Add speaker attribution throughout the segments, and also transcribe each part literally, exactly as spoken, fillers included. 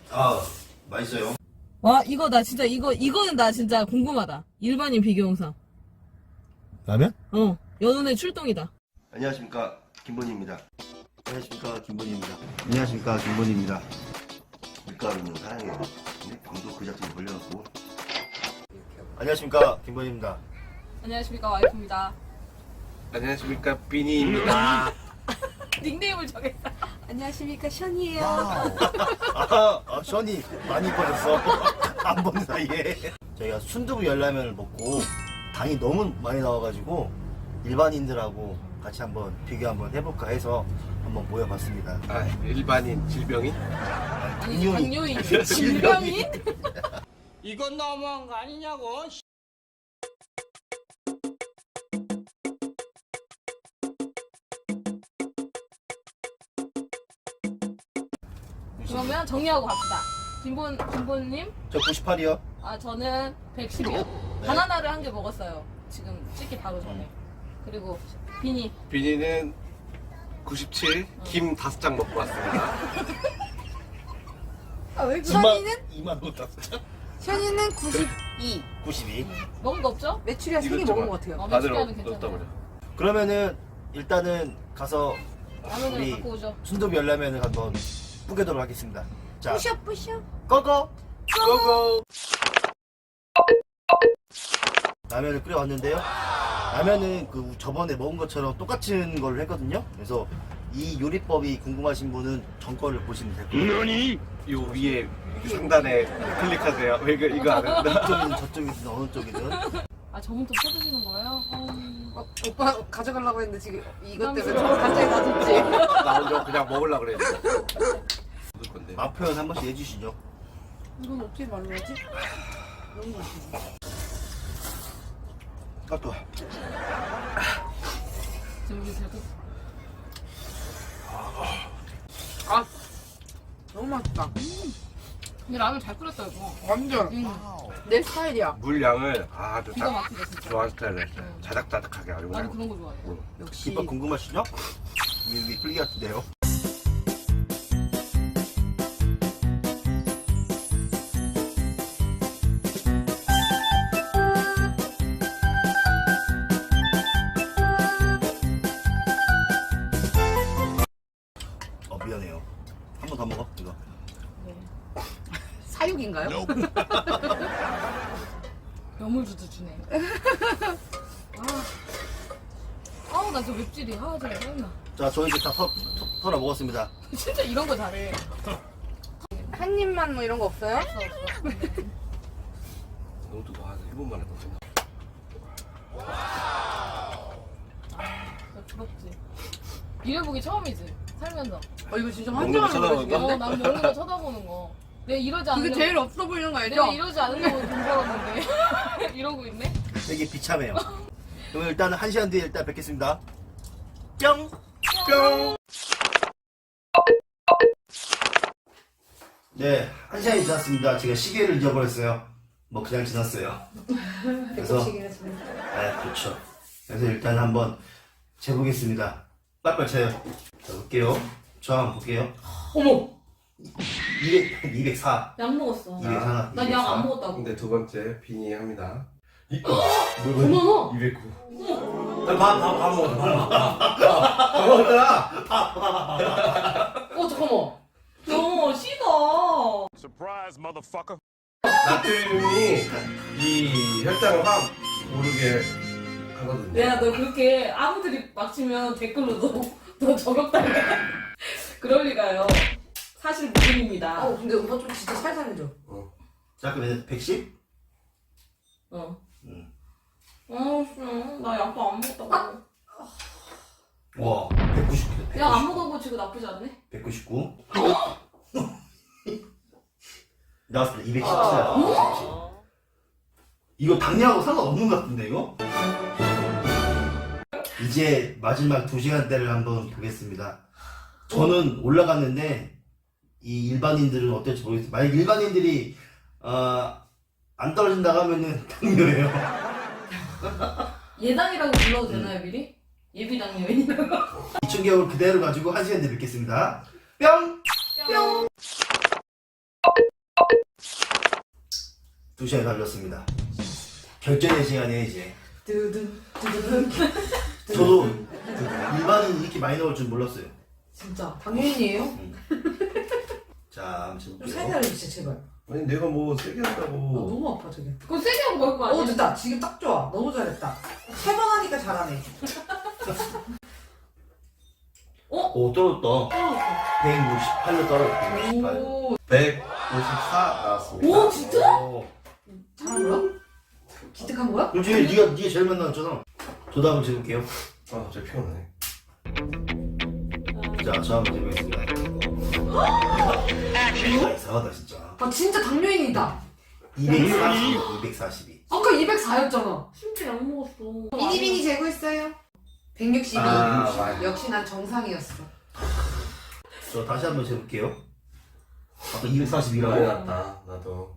Speaker 1: 아, 맛있어요.
Speaker 2: 와, 이거 나 진짜 이거 이거는 나 진짜 궁금하다. 일반인 비교 영상.
Speaker 1: 라면?
Speaker 2: 어, 연운의 출동이다.
Speaker 1: 안녕하십니까, 김본희입니다. 안녕하십니까, 김본희입니다. 안녕하십니까, 김본희입니다. 밀가루는 사랑해요. 근데 방도 그 자체로 걸려갖고. 안녕하십니까, 김본희입니다.
Speaker 2: 안녕하십니까, 와이프입니다.
Speaker 3: 안녕하십니까, 비니입니다.
Speaker 2: 닉네임을 정했다.
Speaker 4: 안녕하십니까, 션이에요.
Speaker 1: 아, 아, 션이 많이 이뻐졌어. 안 본 사이에. 저희가 순두부 열라면을 먹고 당이 너무 많이 나와가지고 일반인들하고 같이 한번 비교 한번 해볼까 해서 한번 모여봤습니다.
Speaker 3: 아, 일반인 질병인?
Speaker 2: 아니,
Speaker 1: 당뇨인.
Speaker 2: 당뇨인. 질병인?
Speaker 5: 이건 너무한 거 아니냐고.
Speaker 2: 그러면 정리하고 갑시다. 김본, 김본님?
Speaker 1: 저 구십팔이요.
Speaker 2: 아, 저는 백십이요. 바나나를 한 개 먹었어요. 지금 찍기 바로 전에. 그리고 비니.
Speaker 3: 비니는 구십칠, 김 다섯 장 먹고 왔습니다.
Speaker 4: 아, 왜 션이는?
Speaker 1: 이만 원 땄어.
Speaker 4: 션이는 구십이.
Speaker 1: 구십이.
Speaker 2: 먹은 거 없죠?
Speaker 4: 메추리알 세 개 먹은 것 같아요.
Speaker 2: 어,
Speaker 3: 다들
Speaker 2: 메추리알은
Speaker 3: 넣-
Speaker 2: 괜찮아요.
Speaker 3: 넣었다 버려.
Speaker 1: 그러면은 일단은 가서
Speaker 2: 라면을
Speaker 1: 우리
Speaker 2: 갖고 오죠.
Speaker 1: 순두부 열라면을 한번 뿌개도록 하겠습니다. 자,
Speaker 4: 뿌셔, 뿌셔.
Speaker 1: 꺼꺼!
Speaker 3: 고고!
Speaker 1: 라면을 끓여왔는데요. 라면은 그 저번에 먹은 것처럼 똑같은 걸 했거든요. 그래서 이 요리법이 궁금하신 분은 전 거를 보시면 될 거예요.
Speaker 3: 요 위에 상단에 클릭하세요. 왜 이거, 이거 안 한다?
Speaker 1: 이쪽이든 저쪽이든 어느 쪽이든.
Speaker 2: 아, 저분도 쳐주시는 거예요? 어...
Speaker 4: 어, 오빠 가져가려고 했는데 지금 이것 때문에
Speaker 2: 부담스러워.
Speaker 4: 갑자기 놔뒀지.
Speaker 3: 나 먼저 그냥 먹으려고 그랬는데. 먹을 건데.
Speaker 1: 맛 표현 한 번씩 해주시죠.
Speaker 4: 이건 어떻게 말로 하지? 너무 맛있어.
Speaker 1: 아, 또.
Speaker 2: 지금 우리 제가
Speaker 4: 아, 너무 맛있다.
Speaker 2: 근데 라면 잘 끓였다, 이거.
Speaker 4: 완전
Speaker 2: 응.
Speaker 4: 내 스타일이야.
Speaker 3: 물 양을 아주
Speaker 2: 기가
Speaker 3: 딱
Speaker 2: 막히다, 진짜.
Speaker 3: 좋아하는 스타일로 했어요.
Speaker 2: 응.
Speaker 3: 자작자작하게 아주
Speaker 2: 나도
Speaker 3: 그냥.
Speaker 2: 그런 거 좋아해.
Speaker 3: 응.
Speaker 4: 역시.
Speaker 1: 김밥 궁금하시죠? 여기 끓기 같은데요. 어, 미안해요. 한 번 더 먹어, 이거.
Speaker 4: 사육인가요?
Speaker 2: 여물주도 주네. 아, 아우, 나 저 맵찔이. 아, 진짜 짜증나.
Speaker 1: 자, 저 이제 다 털, 털어 먹었습니다.
Speaker 2: 진짜 이런 거 잘해.
Speaker 4: 한 입만 뭐 이런 거 없어요?
Speaker 2: 없어, 없어.
Speaker 3: 너무 뜨거워. 한 일 분만 해도 된다.
Speaker 2: 나 부럽지. 이래보기 처음이지, 살면서.
Speaker 4: 어, 이거 진짜
Speaker 3: 먹는 거
Speaker 4: 환장하는
Speaker 3: 쳐다보는
Speaker 4: 거야,
Speaker 2: 어, 난 먹는 거 쳐다보는 거. 내가 이러지
Speaker 4: 그게
Speaker 2: 않으려고.
Speaker 4: 제일 없어 보이는 거 알죠?
Speaker 2: 내가 이러지 않으려고 돈 벌었는데. 이러고 있네?
Speaker 1: 되게 비참해요. 그럼 일단은 한 시간 뒤에 일단 뵙겠습니다. 뿅!
Speaker 3: 뿅!
Speaker 1: 네, 한 시간이 지났습니다. 제가 시계를 잊어버렸어요. 뭐 그냥 지났어요. 그래서
Speaker 4: 시계가 지금.
Speaker 1: 네, 그렇죠. 그래서 일단 한번 재보겠습니다. 빨빨 쳐요. 자, 볼게요. 저 한번 볼게요.
Speaker 2: 어머!
Speaker 1: 이백, 이백사.
Speaker 2: 약 먹었어.
Speaker 1: 이백사.
Speaker 2: 난 약 안 먹었다고.
Speaker 3: 근데 두 번째 비니 합니다. 이,
Speaker 2: 어머나!
Speaker 3: 이백구.
Speaker 1: 밥, 밥, 밥 먹어. 밥, 밥, 밥 먹었잖아.
Speaker 2: 어, 잠깐만. 너, 시다.
Speaker 5: Surprise, motherfucker.
Speaker 3: 나트륨이 이 혈당을 확 오르게 하거든요.
Speaker 2: 야, 너 그렇게 아무들이 막 치면 댓글로 너, 너 저격당해. 그럴 리가요. 사실 무근입니다.
Speaker 4: 어, 근데 오빠 좀 진짜 살살 해줘.
Speaker 1: 자, 그러면 백십?
Speaker 2: 어.
Speaker 1: 응.
Speaker 2: 어, 씨, 나 약도 안 먹었다고.
Speaker 1: 와, 백구십.
Speaker 2: 약 안 먹어보고 지금 나쁘지 않네?
Speaker 1: 백구십구. 나왔습니다. 이백십칠. 이거 당뇨하고 상관없는 것 같은데, 이거? 이제 마지막 두 시간대를 한번 보겠습니다. 저는 올라갔는데, 이 일반인들은 어떨지 모르겠어요. 만약 일반인들이, 어, 안 떨어진다고 하면은 당뇨예요.
Speaker 2: 예당이라고 불러도 되나요, 미리? 예비당 여인이라고?
Speaker 1: 이 충격을 그대로 가지고 한 시간 뒤에 뵙겠습니다. 뿅!
Speaker 2: 뿅!
Speaker 1: 두 시간이 달렸습니다. 결전의 시간이에요 이제.
Speaker 2: 두둔 두둔.
Speaker 1: 저도 그 일반인 이렇게 많이 나올 줄 몰랐어요.
Speaker 2: 진짜.
Speaker 4: 당연히에요.
Speaker 1: 자, 한번
Speaker 4: 좀
Speaker 1: 해볼게요.
Speaker 4: 살살 해주세요 제발.
Speaker 3: 아니 내가 뭐 세게
Speaker 4: 아,
Speaker 3: 한다고.
Speaker 4: 너무 아파 저게.
Speaker 2: 그거 세게 하고 먹을 거 아니야?
Speaker 4: 어 됐다. 지금 딱 좋아. 너무 잘했다. 세 번 하니까 잘하네.
Speaker 1: 오, 떨어졌다. 백육십팔로 떨어졌다. 백육십팔.
Speaker 2: 오.
Speaker 3: 백오십사 나왔습니다.
Speaker 2: 오 진짜?
Speaker 1: 오.
Speaker 4: 잘한 거야? 기특한 거야?
Speaker 1: 그럼 지금 네가 네가 제일 많이 나왔잖아. 저도 한번 재볼게요.
Speaker 3: 아 갑자기 피곤하네.
Speaker 1: 자, 저 한번 해보겠습니다. 아, 이상하다 진짜.
Speaker 4: 아 진짜 당뇨인이다.
Speaker 1: 이백사십, 이백사십이.
Speaker 4: 아까 이백사였잖아.
Speaker 2: 심지어 약 먹었어.
Speaker 4: 비니비니 재고했어요. 백육십이.
Speaker 1: 아,
Speaker 3: 맞아.
Speaker 4: 역시 난 정상이었어.
Speaker 1: 저 다시 한번 재볼게요. 아까 이백사십이라고.
Speaker 3: 많이 났다 나도.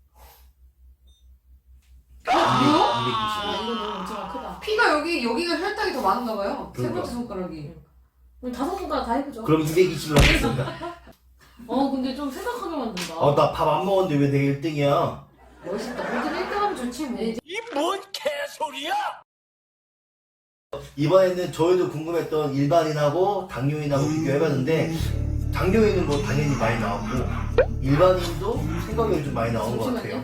Speaker 4: 아,
Speaker 2: 이거
Speaker 1: 이백육십.
Speaker 2: 너무 엄청 크다.
Speaker 4: 피가 여기 여기가 혈당이 더 많은가 봐요. 세
Speaker 1: 그러니까.
Speaker 4: 번째 손가락이.
Speaker 2: 우리 다섯 손가락 다 해보죠.
Speaker 1: 그럼 이백이십으로 하겠습니다.
Speaker 2: 어 근데 좀 생각하게 만든다.
Speaker 1: 아, 나 밥 안 먹었는데 왜 내가 일 등이야?
Speaker 4: 멋있다. 모든 일 등 하면 좋지 뭐.
Speaker 2: 네,
Speaker 5: 이 뭔 개소리야?
Speaker 1: 이번에는 저희도 궁금했던 일반인하고 당뇨인하고 비교해봤는데 당뇨인은 뭐 당연히 많이 나왔고 일반인도 생각이 좀 많이 나온 것 같아요.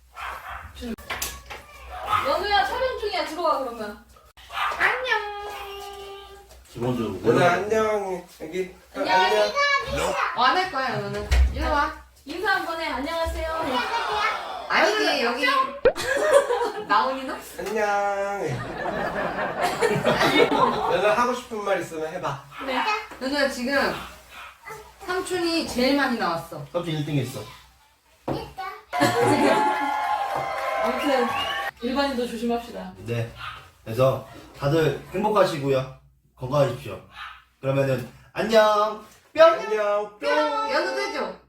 Speaker 2: 연우야 촬영 중이야. 들어와 그러면. 안녕.
Speaker 1: 기본적으로
Speaker 3: 누나 안녕 여기. 어,
Speaker 2: 안녕.
Speaker 4: 안 할 거야 너는. 일로 와.
Speaker 2: 인사 한번 해. 안녕하세요.
Speaker 4: 아니지 여기. 나온이 너?
Speaker 3: 안녕. 누나 하고 싶은 말 있으면 해봐.
Speaker 2: 네.
Speaker 4: 누나 지금 삼촌이 제일 많이 나왔어.
Speaker 1: 삼촌 일 등 했어.
Speaker 2: 아무튼 일반인도 조심합시다.
Speaker 1: 네. 그래서 다들 행복하시고요. 건강하십시오. 그러면은 안녕. 뿅.
Speaker 3: 안녕. 뿅.
Speaker 4: 연우도 해줘.